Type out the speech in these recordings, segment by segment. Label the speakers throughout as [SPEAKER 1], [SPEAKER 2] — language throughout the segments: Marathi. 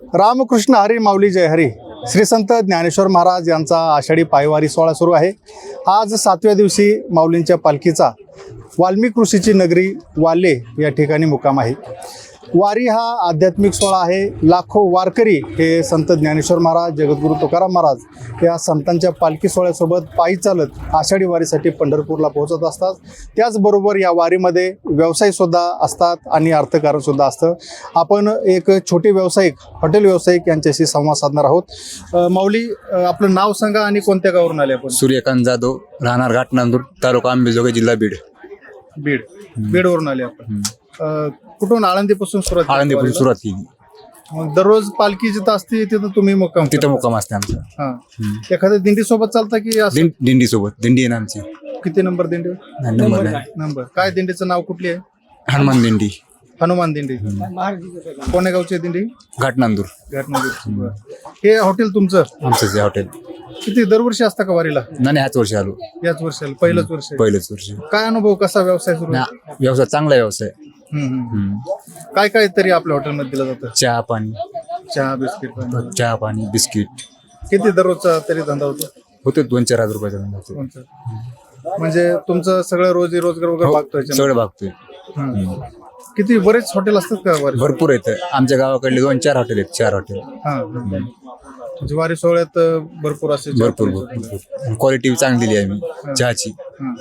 [SPEAKER 1] रामकृष्ण हरी माऊली जय हरी. श्री संत ज्ञानेश्वर महाराज यांचा आषाढी पायवारी सोहळा सुरू आहे. आज 7व्या दिवशी माऊलींच्या पालखीचा वाल्मिक ऋषीची नगरी वाले या ठिकाणी मुक्काम आहे. वारी हा आध्यात्मिक सोहळा आहे. लाखो वारकरी हे संत ज्ञानेश्वर महाराज, जगद्गुरू तुकाराम महाराज या संतांच्या पालखी सोहळ्यासोबत पायी चालत आषाढी वारीसाठी पंढरपूरला पोहोचत असतात. त्याचबरोबर या वारीमध्ये व्यवसायसुद्धा असतात आणि अर्थकारणसुद्धा असतं. आपण एक छोटे व्यावसायिक, हॉटेल व्यावसायिक यांच्याशी संवाद साधणार आहोत. माऊली, आपलं नाव सांगा आणि कोणत्या गावावरून आले आपण?
[SPEAKER 2] सूर्यकांत जाधव, राहणार घाटनांदूर, तालुका अंबेजोगाई, जिल्हा बीड.
[SPEAKER 1] बीडवरून आले आपण. कुठून? आळंदीपासून सुरुवात?
[SPEAKER 2] आळंदीपासून सुरुवात केली.
[SPEAKER 1] मग दररोज पालखी जिथं असते तिथं तुम्ही मुक्काम?
[SPEAKER 2] तिथं मुक्काम असते आमचा.
[SPEAKER 1] हा. एखाद्या दिंडी सोबत चालता की असं?
[SPEAKER 2] दिंडी सोबत. दिंडी आहे ना आमची.
[SPEAKER 1] किती नंबर दिंडी?
[SPEAKER 2] नंबर नाही.
[SPEAKER 1] नंबर काय? दिंडीचं नाव कुठली आहे?
[SPEAKER 2] हनुमान दिंडी.
[SPEAKER 1] हनुमान दिंडी. कोण्या गावची दिंडी?
[SPEAKER 2] घाटनांदूर.
[SPEAKER 1] घाटनांदूर. हे हॉटेल तुमचं?
[SPEAKER 2] आमचंच आहे हॉटेल.
[SPEAKER 1] किती दरवर्षी असतं का वारीला?
[SPEAKER 2] नाही, ह्याच वर्षी आलो.
[SPEAKER 1] याच वर्षाला? पहिलंच वर्ष?
[SPEAKER 2] पहिलंच वर्ष.
[SPEAKER 1] काय अनुभव, कसा व्यवसाय सुरू?
[SPEAKER 2] व्यवसाय चांगला व्यवसाय.
[SPEAKER 1] काय काय तरी आपल्या हॉटेलमध्ये दिलं जातं?
[SPEAKER 2] चहा पाणी.
[SPEAKER 1] चहा, बिस्किट.
[SPEAKER 2] चहा पाणी, बिस्किट.
[SPEAKER 1] किती दररोजचा तरी धंदा होतो?
[SPEAKER 2] होते 2-4 हजार रुपयाचा धंदा होतो.
[SPEAKER 1] म्हणजे तुमचं सगळं रोजी रोजगार वगैरे भागतोय?
[SPEAKER 2] सगळं भागतोय.
[SPEAKER 1] किती बरेच हॉटेल असतात का वारी?
[SPEAKER 2] भरपूर आहेत आमच्या गावाकडले. 2-4 हॉटेल आहेत. 4 हॉटेल.
[SPEAKER 1] म्हणजे वारी सोहळ्यात भरपूर असे?
[SPEAKER 2] भरपूर. क्वालिटी चांगली दिली आहे आम्ही चहाची.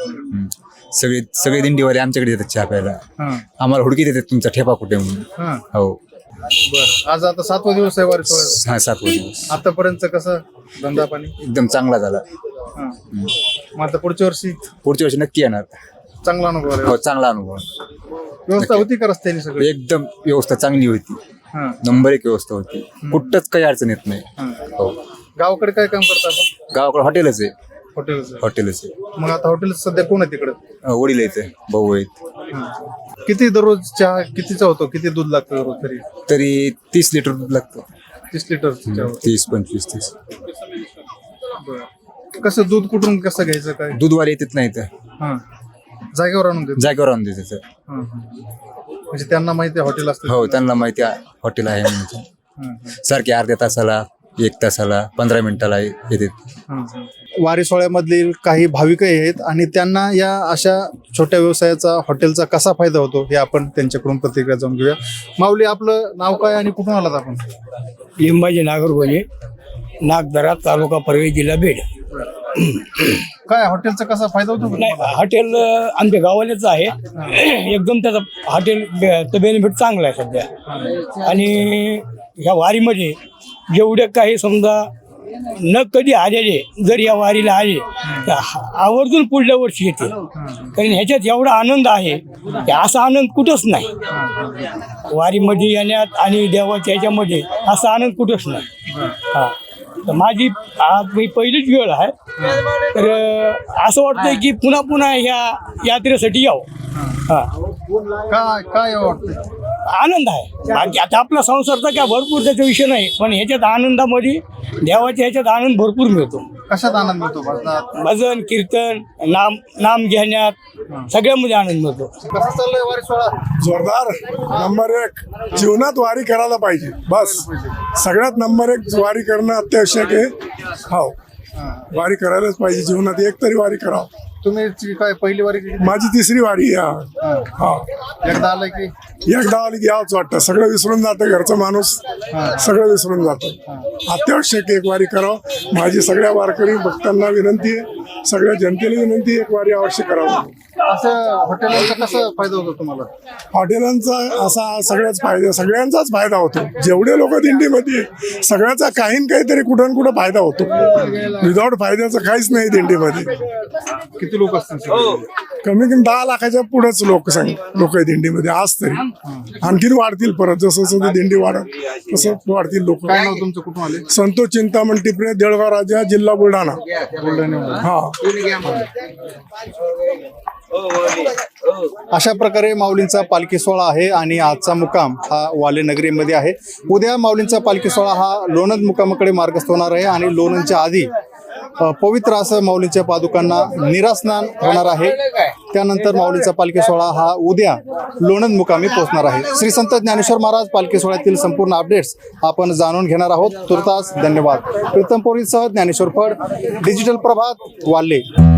[SPEAKER 2] सगळे दिंडीवाले आमच्याकडे येतात चहा प्यायला. आम्हाला हुडकी देतात तुमचा ठेपा कुठे म्हणून. हो.
[SPEAKER 1] बरं. आज आता 7वा दिवस आहे वारी सोहळ्याचा?
[SPEAKER 2] हा, 7वा दिवस.
[SPEAKER 1] आतापर्यंत कसं धंदा पाणी?
[SPEAKER 2] एकदम चांगला झाला.
[SPEAKER 1] मग आता पुढच्या वर्षी
[SPEAKER 2] नक्की येणार.
[SPEAKER 1] चांगला अनुभव आहे?
[SPEAKER 2] हो, चांगला अनुभव.
[SPEAKER 1] व्यवस्था होती का रस्त्याने सगळी?
[SPEAKER 2] एकदम व्यवस्था चांगली होती. नंबर 1 व्यवस्था होती. कुठंच काही अडचण येत नाही. हो.
[SPEAKER 1] गावाकडे काय काम करता आपण?
[SPEAKER 2] गावाकडे हॉटेलच आहे.
[SPEAKER 1] हॉटेलच आहे. मग आता हॉटेल सध्या कोण आहे तिकडे?
[SPEAKER 2] वडील आहेत, भाऊ आहेत.
[SPEAKER 1] किती दररोज चहा कितीचा होतो? किती दूध लागतं दररोज? तरी
[SPEAKER 2] 30 लिटर दूध लागतं.
[SPEAKER 1] 30 लिटर?
[SPEAKER 2] 30-25-30.
[SPEAKER 1] कसं दूध कुठून कसं घ्यायचं? काय
[SPEAKER 2] दूधवाले येतात नाही तर
[SPEAKER 1] जागेवर आणून देतात?
[SPEAKER 2] जागेवर आणून देतात.
[SPEAKER 1] म्हणजे त्यांना माहिती आहे हॉटेल असतं?
[SPEAKER 2] हो, त्यांना माहिती आहे हॉटेल आहे म्हणून. सारखे अर्ध्या तासाला, 1 तासाला, 15 मिनिटाला येतात.
[SPEAKER 1] वारी सोहळ्यामधील काही भाविकही आहेत आणि त्यांना या अशा छोट्या व्यवसायाचा, हॉटेलचा कसा फायदा होतो हे आपण त्यांच्याकडून प्रतिक्रिया जाणून घेऊया. माऊली, आपलं नाव काय आणि कुठून आलात आपण?
[SPEAKER 3] लिंबाजी नागरगोजे, नागदरा, तालुका परळी, जिल्हा बीड.
[SPEAKER 1] काय हॉटेलचा कसा फायदा होतो?
[SPEAKER 3] नाही, हॉटेल आमच्या गावालेच आहे. एकदम त्याचा हॉटेलचं बेनिफिट चांगला आहे सध्या. आणि ह्या वारीमध्ये जेवढे काही समजा न कधी आलेले जर या वारीला आले तर आवर्जून पुढल्या वर्षी येते. कारण ह्याच्यात एवढा आनंद आहे की असा आनंद कुठंच नाही. वारीमध्ये येण्यात आणि देवाच्या ह्याच्यामध्ये असा आनंद कुठंच नाही. हा, तर माझी आज पहिलीच वेळ आहे. तर असं वाटतंय की पुन्हा पुन्हा ह्या यात्रेसाठी यावं. हा,
[SPEAKER 1] काय वाटतं?
[SPEAKER 3] आनंद आहे. बाकी आता आपला संसारचा काय भरपूर त्याचा विषय नाही, पण ह्याच्यात आनंदामध्ये देवाच्या ह्याच्यात आनंद भरपूर मिळतो.
[SPEAKER 1] कशात आनंद मिळतो?
[SPEAKER 3] भजन, कीर्तन, नाम घेण्यात सगळ्यामध्ये आनंद मिळतो.
[SPEAKER 1] कसा चाललंय वारी सोहळा?
[SPEAKER 4] जोरदार. नंबर 1 जीवनात वारी करायला पाहिजे. बस सगळ्यात नंबर 1 वारी करणं अत्यावश्यक आहे. हो, वारी करायलाच पाहिजे. जीवनात एक तरी वारी करावं.
[SPEAKER 1] तुम्ही काय पहिली वारी?
[SPEAKER 4] माझी 3री वारी आहे. हा,
[SPEAKER 1] एकदा आलं की
[SPEAKER 4] यावंच वाटतं. सगळं विसरून जातं, घरचा माणूस सगळं विसरून जातं. अत्यावश्यक एक वारी करावं. माझी सगळ्या वारकरी भक्तांना विनंती आहे, सगळ्या जनतेला विनंती आहे, एक वारी अवश्य करावं.
[SPEAKER 1] असं हॉटेलांचा कसा फायदा होतो तुम्हाला?
[SPEAKER 4] हॉटेलांचा असा सगळ्यांचाच फायदा होतो. जेवढे लोक दिंडीमध्ये सगळ्याचा काही काहीतरी कुठं कुठं फायदा होतो. विदाऊट फायद्याचं काहीच नाही दिंडीमध्ये.
[SPEAKER 1] किती लोक असतात?
[SPEAKER 4] कमी 10 लाखाच्या पुढेच लोक आहे दिंडीमध्ये आज तरी. आणखीन वाढतील परत, जसं जसं दिंडी वाढत तसं वाढतील लोक.
[SPEAKER 1] काय नाव तुमचं? कुठून आले?
[SPEAKER 4] संतोष चिंतामण टिपरे, देळगाव राजा, जिल्हा बुलढाणा. हा.
[SPEAKER 1] अशा प्रकारे माऊलींचा पालखी सोहळा आहे आणि आजचा मुक्काम हा वाले नगरीमध्ये आहे. उद्या माऊलींचा पालखी सोहळा हा लोणंद मुक्कामाकडे मार्गस्थ होणार आहे आणि लोणंदच्या आधी पवित्र असं माऊलींच्या पादुकांना निरास्नान होणार आहे. त्यानंतर माऊलीचा पालखी सोहळा हा उद्या लोणंद मुकामी पोहोचणार आहे. श्री संत ज्ञानेश्वर महाराज पालखी सोहळ्यातील संपूर्ण अपडेट्स आपण जाणून घेणार आहोत. तुर्तास धन्यवाद. प्रीतम पोरीसह ज्ञानेश्वर फड, डिजिटल प्रभात, वाल्हे.